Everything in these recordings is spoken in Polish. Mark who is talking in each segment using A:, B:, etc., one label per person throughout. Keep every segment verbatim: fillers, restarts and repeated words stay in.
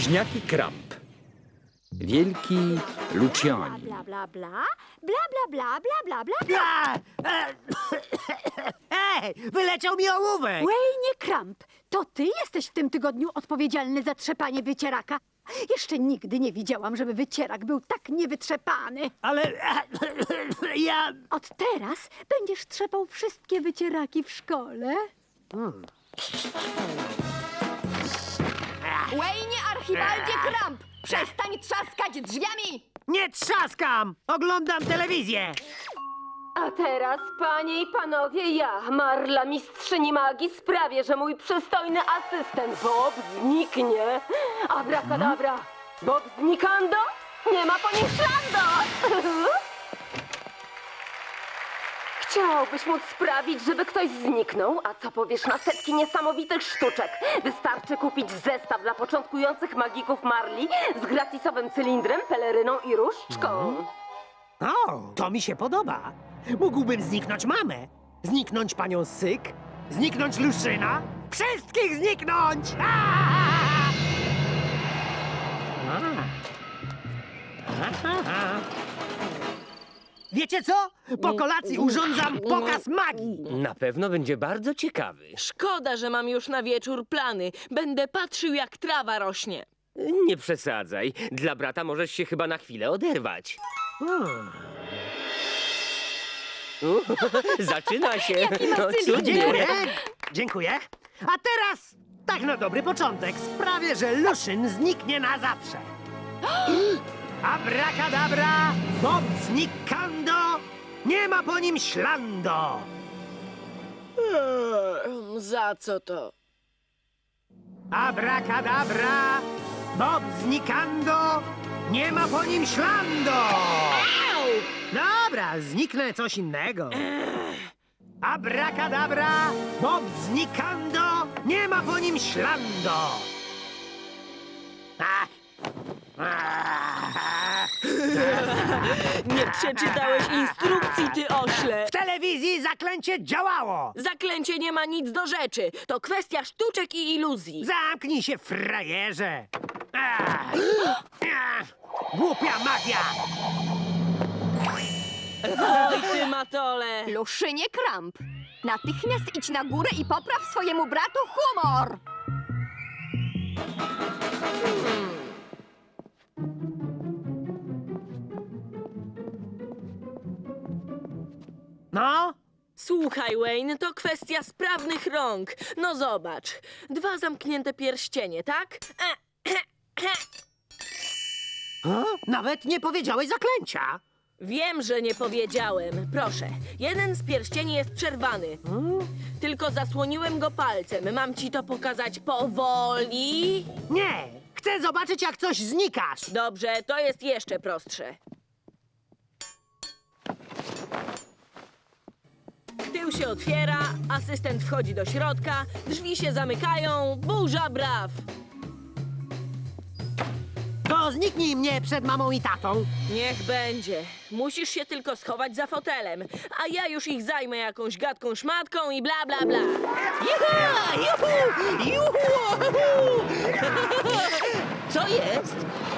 A: Bliźniaki Kramp. Wielki Luciani.
B: Bla, bla, bla, bla, bla, bla, bla, bla, bla, bla.
C: A, e, Ej, wyleciał mi ołówek!
B: Wayne Kramp, to ty jesteś w tym tygodniu odpowiedzialny za trzepanie wycieraka. Jeszcze nigdy nie widziałam, żeby wycierak był tak niewytrzepany.
C: Ale e, ja...
B: Od teraz będziesz trzepał wszystkie wycieraki w szkole.
D: Wayne Archibaldzie Kramp! Przestań trzaskać drzwiami!
C: Nie trzaskam! Oglądam telewizję!
E: A teraz, panie i panowie, ja, Marla, mistrzyni magii, sprawię, że mój przystojny asystent Bob zniknie. Abracadabra! Bob znikando? Nie ma po nim śladu! Chciałbyś móc sprawić, żeby ktoś zniknął? A co powiesz na setki niesamowitych sztuczek? Wystarczy kupić zestaw dla początkujących magików Marli z gratisowym cylindrem, peleryną i różdżką.
C: O, to mi się podoba. Mógłbym zniknąć mamę, zniknąć panią Syk, zniknąć Luszyna, wszystkich zniknąć! Aaaa! Aha. Wiecie co? Po kolacji urządzam pokaz magii.
F: Na pewno będzie bardzo ciekawy.
G: Szkoda, że mam już na wieczór plany. Będę patrzył, jak trawa rośnie.
F: Nie przesadzaj. Dla brata możesz się chyba na chwilę oderwać. U, zaczyna się. No, cudnie.
C: Dziękuję, dziękuję. A teraz, tak na dobry początek, sprawię, że Luszyn zniknie na zawsze. Abracadabra, Bob znikando, nie ma po nim ślando.
G: Eee, za co to?
C: Abracadabra, Bob znikando, nie ma po nim ślando. Dobra, zniknę coś innego. Abracadabra, Bob znikando, nie ma po nim ślando. Ach. Ach.
G: Nie przeczytałeś instrukcji, ty ośle!
C: W telewizji zaklęcie działało.
G: Zaklęcie nie ma nic do rzeczy. To kwestia sztuczek i iluzji.
C: Zamknij się, frajerze. Ach. Ach. Głupia magia.
G: Oj, ty matole!
D: Luszynie Kramp! Natychmiast idź na górę i popraw swojemu bratu humor!
C: No?
G: Słuchaj, Wayne, to kwestia sprawnych rąk. No zobacz. Dwa zamknięte pierścienie, tak? E,
C: O? Nawet nie powiedziałeś zaklęcia.
G: Wiem, że nie powiedziałem. Proszę, jeden z pierścieni jest przerwany. Tylko zasłoniłem go palcem. Mam ci to pokazać powoli?
C: Nie, chcę zobaczyć, jak coś znikasz.
G: Dobrze, to jest jeszcze prostsze. Tył się otwiera, asystent wchodzi do środka, drzwi się zamykają, burza braw!
C: To zniknij mnie przed mamą i tatą.
G: Niech będzie. Musisz się tylko schować za fotelem, a ja już ich zajmę jakąś gadką szmatką i bla bla bla.
C: Juhu! Juhu! Juhu!
G: Co jest?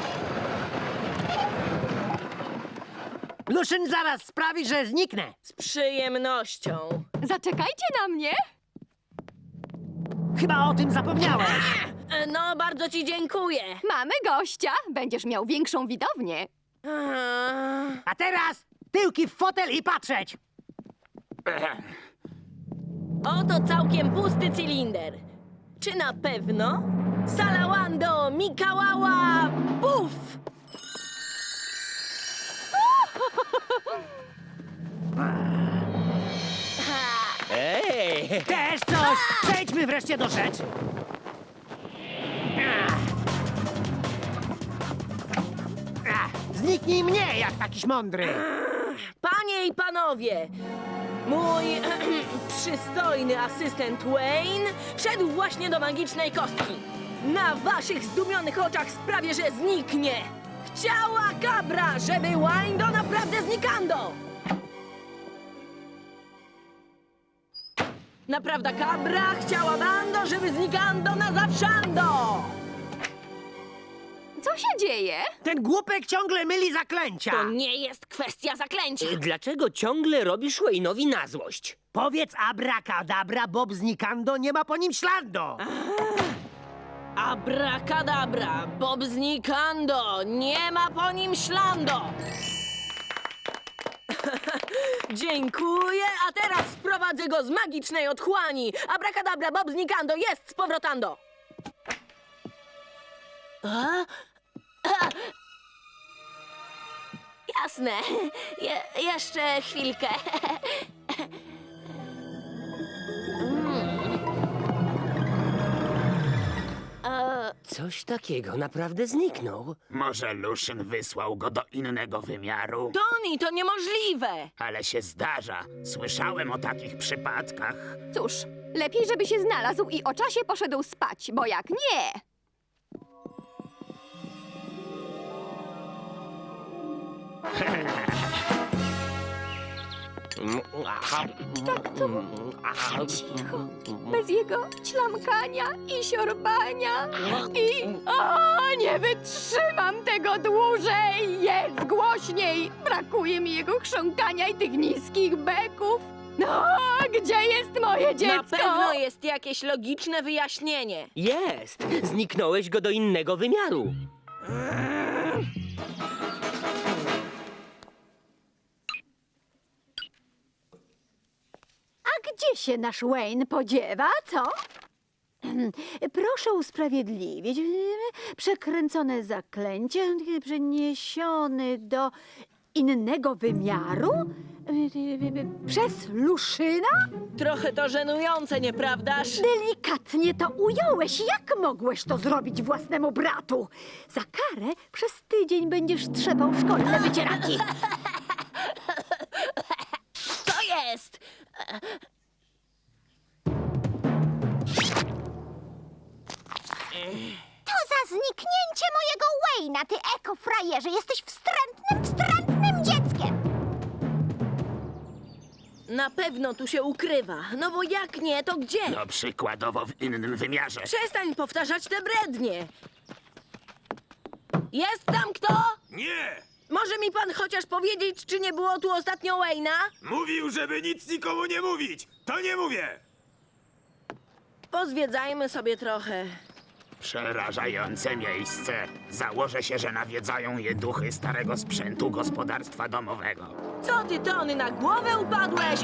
C: Luszyn zaraz sprawi, że zniknę.
G: Z przyjemnością.
D: Zaczekajcie na mnie!
C: Chyba o tym zapomniałeś.
G: E, No, bardzo ci dziękuję.
D: Mamy gościa! Będziesz miał większą widownię.
G: A,
C: A teraz tyłki w fotel i patrzeć.
G: Oto całkiem pusty cylinder. Czy na pewno? Salawando, Mikałała, puf!
F: Ej!
C: Też coś. Przejdźmy wreszcie do rzeczy. Ach. Ach, zniknij mnie, jak takiś mądry.
G: Panie i panowie, mój przystojny asystent Wayne wszedł właśnie do magicznej kostki. Na waszych zdumionych oczach sprawię, że zniknie. Chciała kabra, żeby Wayne naprawdę znikando. Naprawdę kabra chciała bando, żeby znikando na zawszando.
D: Co się dzieje?
C: Ten głupek ciągle myli zaklęcia.
G: To nie jest kwestia zaklęcia.
F: Y, Dlaczego ciągle robisz Wayne'owi na złość?
C: Powiedz abracadabra, Bob znikando, nie ma po nim śladu.
G: Abracadabra, Bob znikando, nie ma po nim ślando. Dziękuję, a teraz sprowadzę go z magicznej otchłani. Abracadabra, Bob znikando, jest z powrotando. A? A. Jasne, Je jeszcze chwilkę.
F: Coś takiego naprawdę zniknął.
H: Może Luszyn wysłał go do innego wymiaru?
G: Toni, to niemożliwe.
H: Ale się zdarza. Słyszałem o takich przypadkach.
D: Cóż, lepiej, żeby się znalazł i o czasie poszedł spać, bo jak nie... Cicho, bez jego ćlamkania i siorbania. I... O, nie wytrzymam tego dłużej! Jedz głośniej! Brakuje mi jego chrząkania i tych niskich beków. No, gdzie jest moje dziecko?
G: Na pewno jest jakieś logiczne wyjaśnienie.
F: Jest! Zniknąłeś go do innego wymiaru.
B: A gdzie się nasz Wayne podziewa, co? Proszę usprawiedliwić. Przekręcone zaklęcie, przeniesiony do innego wymiaru? Przez Luszyna?
G: Trochę to żenujące, nieprawdaż?
B: Delikatnie to ująłeś. Jak mogłeś to zrobić własnemu bratu? Za karę przez tydzień będziesz trzepał szkolne wycieraki.
G: Co jest?
I: To za zniknięcie mojego Wayne'a, ty ekofrajerze! Jesteś wstrętnym, wstrętnym dzieckiem!
G: Na pewno tu się ukrywa. No bo jak nie, to gdzie?
H: No przykładowo w innym wymiarze.
G: Przestań powtarzać te brednie. Jest tam kto?
J: Nie!
G: Może mi pan chociaż powiedzieć, czy nie było tu ostatnio Wayne'a?
J: Mówił, żeby nic nikomu nie mówić! To nie mówię!
G: Pozwiedzajmy sobie trochę.
H: Przerażające miejsce. Założę się, że nawiedzają je duchy starego sprzętu gospodarstwa domowego.
G: Co ty, Tony, na głowę upadłeś?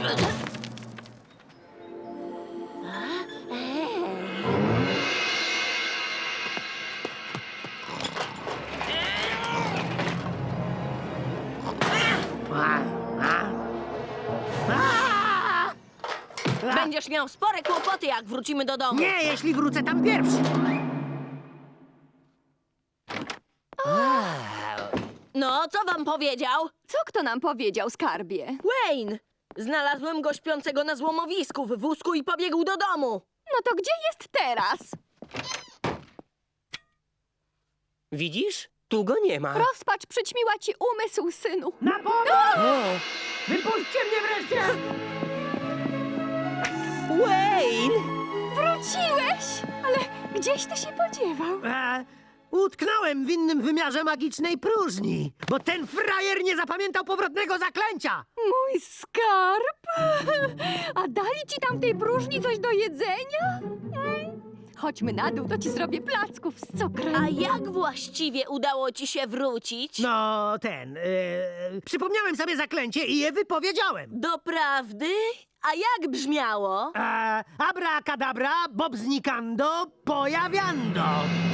G: Będziesz miał spore kłopoty, jak wrócimy do domu.
C: Nie, jeśli wrócę tam pierwszy.
G: No, co wam powiedział?
D: Co kto nam powiedział, skarbie?
G: Wayne! Znalazłem go śpiącego na złomowisku w wózku i pobiegł do domu.
D: No to gdzie jest teraz?
F: Widzisz? Tu go nie ma.
D: Rozpacz przyćmiła ci umysł, synu.
C: Na pomoc! Wypuśćcie mnie wreszcie!
F: Wayne!
D: Wróciłeś! Ale gdzieś ty się podziewał?
C: E, utknąłem w innym wymiarze magicznej próżni, bo ten frajer nie zapamiętał powrotnego zaklęcia!
D: Mój skarb! A dali ci tam w tej próżni coś do jedzenia? Mm. Chodźmy na dół, to ci zrobię placków z cukrem.
G: A jak właściwie udało ci się wrócić?
C: No, ten... E, przypomniałem sobie zaklęcie i je wypowiedziałem.
G: Doprawdy? A jak brzmiało?
C: E, abracadabra, Bob znikando, pojawiando.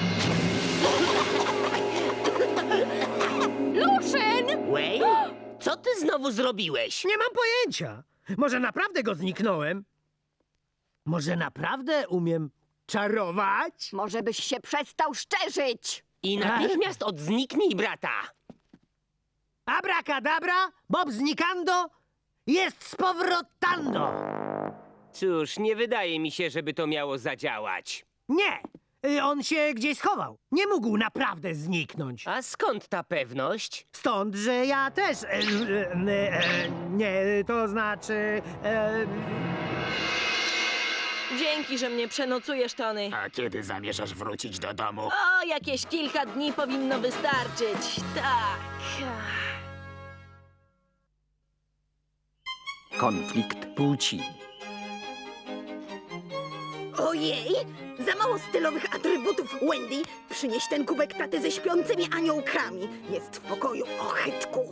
D: Luszyn!
F: Wayne? Co ty znowu zrobiłeś?
C: Nie mam pojęcia. Może naprawdę go zniknąłem? Może naprawdę umiem czarować?
D: Może byś się przestał szczerzyć?
F: I natychmiast odzniknij brata.
C: Abracadabra, Bob znikando, jest z powrotando.
F: Cóż, nie wydaje mi się, żeby to miało zadziałać.
C: Nie, y, on się gdzieś schował. Nie mógł naprawdę zniknąć.
F: A skąd ta pewność?
C: Stąd, że ja też... E, e, e, nie, to znaczy... E,
G: Dzięki, że mnie przenocujesz, Tony.
H: A kiedy zamierzasz wrócić do domu?
G: O, jakieś kilka dni powinno wystarczyć. Tak.
A: Konflikt płci.
B: Ojej! Za mało stylowych atrybutów, Wendy! Przynieś ten kubek taty ze śpiącymi aniołkami. Jest w pokoju, ochytku.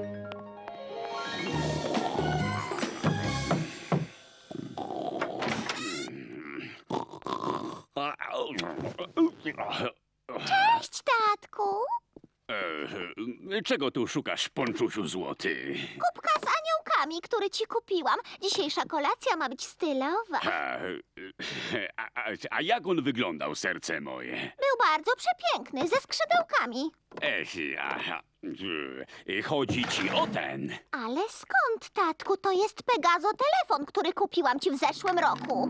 I: Cześć, tatku.
K: E, czego tu szukasz, ponczusiu złoty?
I: Kubka z aniołkami, który ci kupiłam. Dzisiejsza kolacja ma być stylowa.
K: A, a, a, a jak on wyglądał, serce moje?
I: Był bardzo przepiękny, ze skrzydełkami.
K: Ech, aha, e, chodzi ci o ten.
I: Ale skąd, tatku? To jest Pegazo telefon, który kupiłam ci w zeszłym roku.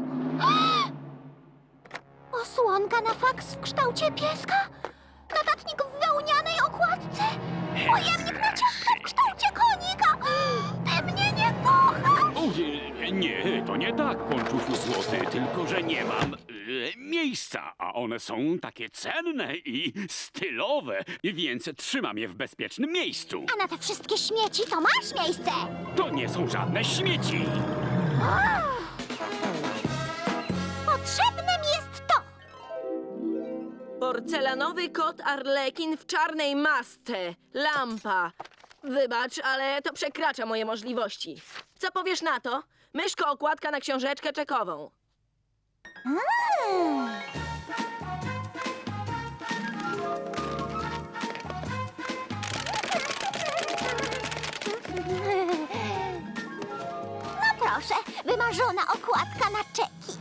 I: Osłonka na faks w kształcie pieska? Notatnik w wełnianej okładce? Pojemnik na ciastka w kształcie konika? Ty mnie nie kochasz!
K: O, nie, nie, to nie tak, ponczusiu złoty, tylko że nie mam e, miejsca, a one są takie cenne i stylowe, więc trzymam je w bezpiecznym miejscu.
I: A na te wszystkie śmieci to masz miejsce!
K: To nie są żadne śmieci.
I: Potrzebnym jest to!
G: Porcelanowy kot Arlekin w czarnej masce. Lampa. Wybacz, ale to przekracza moje możliwości. Co powiesz na to? Myszko okładka na książeczkę czekową.
I: Mm. No proszę, wymarzona okładka na czeki.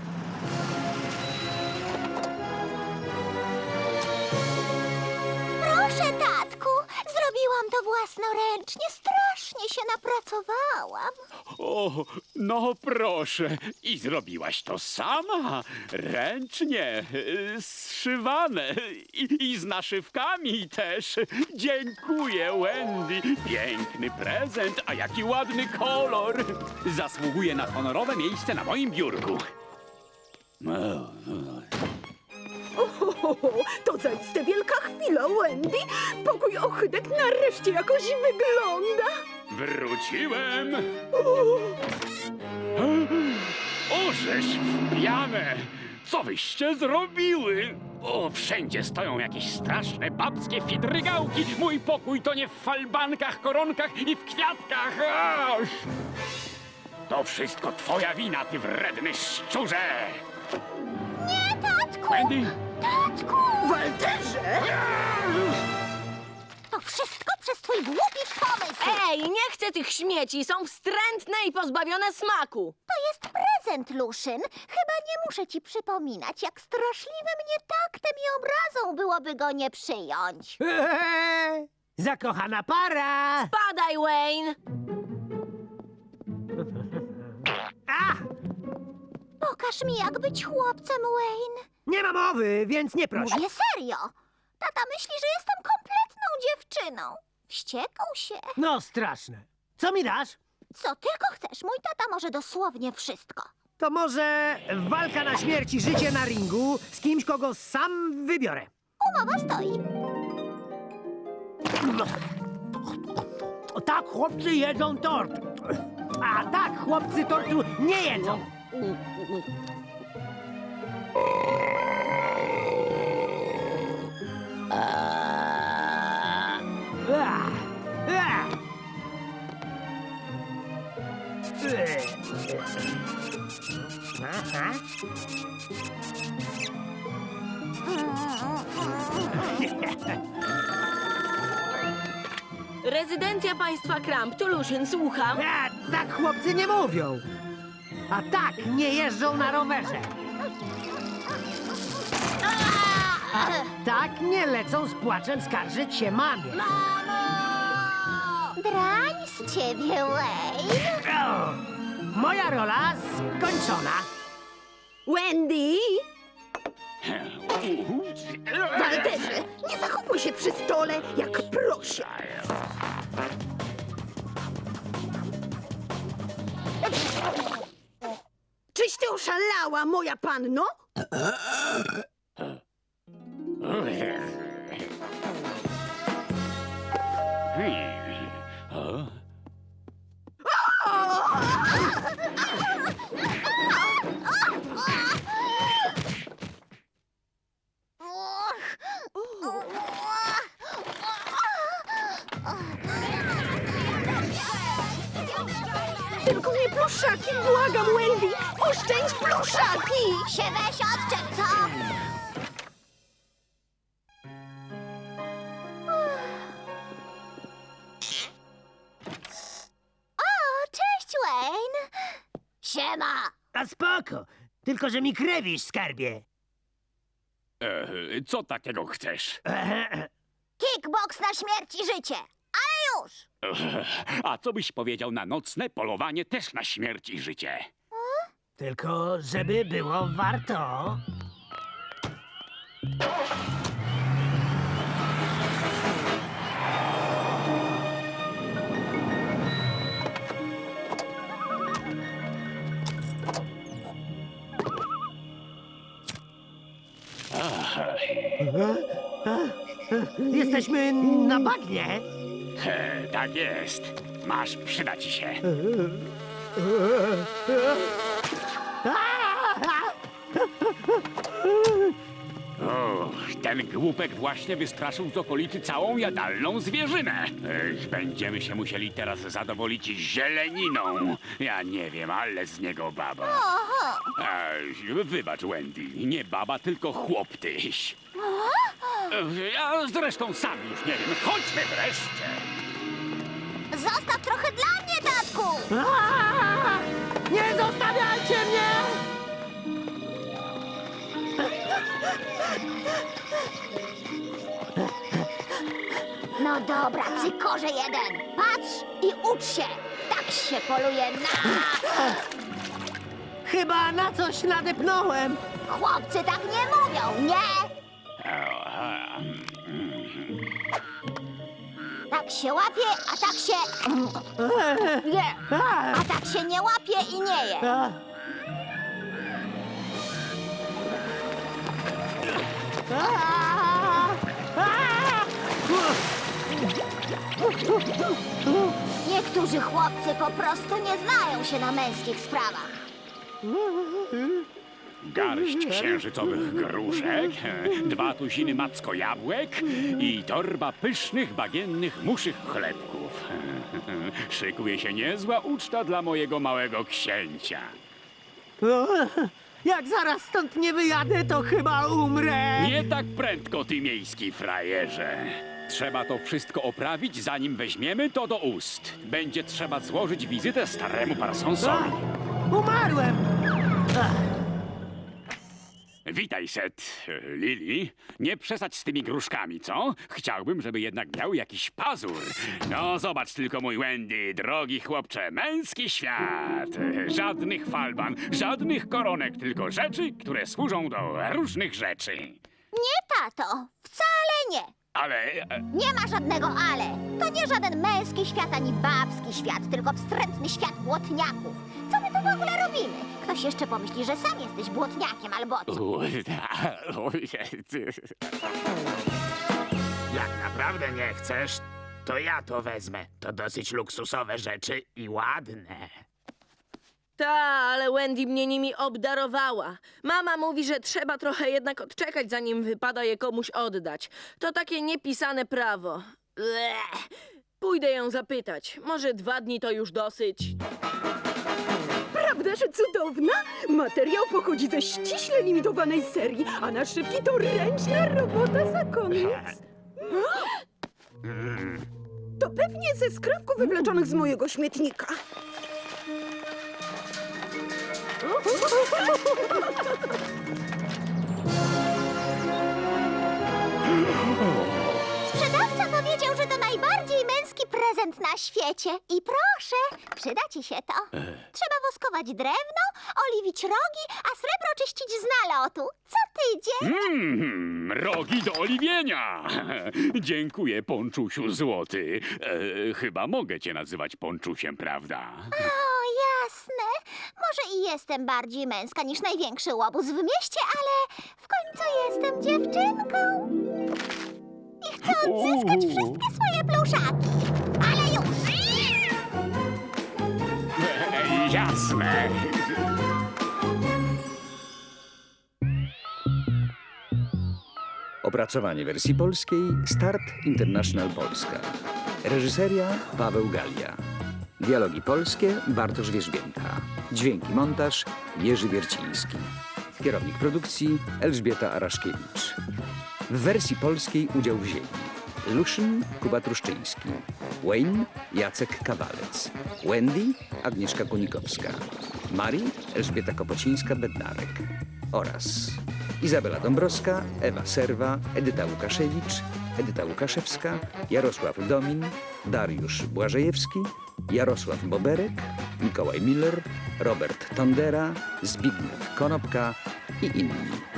I: Proszę, tatku, zrobiłam to własnoręcznie. Strasznie się napracowałam.
K: O, no proszę. I zrobiłaś to sama? Ręcznie, y, zszywane i, i z naszywkami też. Dziękuję, Wendy. Piękny prezent, a jaki ładny kolor. Zasługuje na honorowe miejsce na moim biurku.
B: To zaiste wielka chwila, Wendy! Pokój ochytek nareszcie jakoś wygląda!
K: Wróciłem. Ożeś wpijane! Co wyście zrobiły? O, wszędzie stoją jakieś straszne babskie fidrygałki. Mój pokój to nie w falbankach, koronkach i w kwiatkach. Aż! To wszystko twoja wina, ty wredny szczurze!
I: Nie, tatku!
K: Wendy?
I: Tatku!
B: Walterze!
I: To wszystko przez twój głupi pomysł!
G: Ej, nie chcę tych śmieci. Są wstrętne i pozbawione smaku.
I: To jest prezent, Luszyn. Chyba nie muszę ci przypominać, jak straszliwym nietaktem i obrazą byłoby go nie przyjąć.
C: Eee, zakochana para!
G: Padaj, Wayne.
C: A!
I: Pokaż mi, jak być chłopcem, Wayne.
C: Nie ma mowy, więc nie proś.
I: Mówię serio. Tata myśli, że jestem kompletną dziewczyną. Wściekł się.
C: No straszne. Co mi dasz?
I: Co tylko chcesz, mój tata może dosłownie wszystko.
C: To może walka na śmierć i życie na ringu z kimś, kogo sam wybiorę.
I: Umowa stoi.
C: O, tak, chłopcy jedzą tort. A tak, chłopcy tortu nie jedzą. Ah, ah. Aha.
G: Rezydencja państwa Kramp. Tu Luszyn, słucham.
C: A, tak chłopcy nie mówią. A tak nie jeżdżą na rowerze. A tak nie lecą z płaczem skarżyć się mamie.
I: Drań z ciebie, Wayne.
C: O, moja rola skończona.
B: Wendy! Walterze, nie zachowuj się przy stole jak prosia. Czyś ty Oszalała, moja panno?
K: Hmm. O?
B: Tylko nie pluszaki, błagam, Wendy! Oszczędź pluszaki!
I: Się weź odczep, co? O, cześć, Wayne! Siema!
C: A spoko, tylko że mi krewisz, skarbie.
K: E, co takiego chcesz?
I: Kickbox na śmierć i życie! Ale już!
K: A co byś powiedział na nocne polowanie też na śmierć i życie?
C: Tylko żeby było warto. Jesteśmy na bagnie.
K: E, tak jest. Masz, przyda ci się. O, ten głupek właśnie wystraszył z okolicy całą jadalną zwierzynę. Ech, będziemy się musieli teraz zadowolić zieleniną. Ja nie wiem, ale z niego baba. Ech, wybacz, Wendy, nie baba, tylko chłop tyś. Ech, a zresztą sam już nie wiem. Chodźmy wreszcie.
I: Zostaw trochę dla mnie, tatku!
C: Aaa! Nie zostawiajcie mnie!
I: No dobra, cykorze jeden. Patrz i ucz się. Tak się poluje na...
C: Chyba na coś nadepnąłem.
I: Chłopcy tak nie mówią, nie?
K: Aha.
I: Tak się łapie, a tak się... Nie. A tak się nie łapie i nie je.
C: A. A. A.
I: Niektórzy chłopcy po prostu nie znają się na męskich sprawach.
K: Garść księżycowych gruszek, dwa tuziny macko jabłek i torba pysznych, bagiennych, muszych chlebków. Szykuje się niezła uczta dla mojego małego księcia.
C: O, jak zaraz stąd nie wyjadę, to chyba umrę.
K: Nie tak prędko, ty miejski frajerze. Trzeba to wszystko oprawić, zanim weźmiemy to do ust. Będzie trzeba złożyć wizytę staremu Parsonsowi.
C: Umarłem.
K: Witaj, Set. Lili, nie przesadź z tymi gruszkami, co? Chciałbym, żeby jednak miał jakiś pazur. No, zobacz tylko, mój Wendy, drogi chłopcze, męski świat. Żadnych falban, żadnych koronek, tylko rzeczy, które służą do różnych rzeczy.
I: Nie, tato. Wcale nie.
K: Ale... e,
I: Nie ma żadnego ale. To nie żaden męski świat ani babski świat, tylko wstrętny świat błotniaków. Co my tu w ogóle robimy? Ktoś jeszcze pomyśli, że sam jesteś błotniakiem albo co.
K: u,
H: Jak naprawdę nie chcesz, to ja to wezmę. To dosyć luksusowe rzeczy i ładne.
G: Ta, ale Wendy mnie nimi obdarowała. Mama mówi, że trzeba trochę jednak odczekać, zanim wypada je komuś oddać. To takie niepisane prawo. Bleh. Pójdę ją zapytać. Może dwa dni to już dosyć.
B: Prawda, że cudowna? Materiał pochodzi ze ściśle limitowanej serii, a naszywki to ręczna robota zakonnic. To pewnie ze skrawków wywleczonych z mojego śmietnika.
I: Sprzedawca powiedział, że to najbardziej męski prezent na świecie. I proszę, przyda ci się to. Trzeba woskować drewno, oliwić rogi, a srebro czyścić z nalotu. Co tydzień.
K: Mm, rogi do oliwienia! Dziękuję, Ponczusiu Złoty. E, chyba mogę cię nazywać Ponczusiem, prawda?
I: O, jasne. Może i jestem bardziej męska niż największy łobuz w mieście, ale w końcu jestem dziewczynką. I chcę odzyskać wszystkie swoje pluszaki. Ale już!
H: E, jasne.
A: Opracowanie wersji polskiej Start International Polska. Reżyseria Paweł Galia. Dialogi polskie Bartosz Wierzbięta. Dźwięki montaż Jerzy Wierciński. Kierownik produkcji Elżbieta Araszkiewicz. W wersji polskiej udział wzięli Luszyn Kuba Truszczyński, Wayne Jacek Kawalec, Wendy Agnieszka Kunikowska, Mari Elżbieta Kopocińska-Bednarek oraz Izabela Dąbrowska, Ewa Serwa, Edyta Łukaszewicz, Edyta Łukaszewska, Jarosław Domin, Dariusz Błażejewski, Jarosław Boberek, Mikołaj Miller, Robert Tondera, Zbigniew Konopka i inni.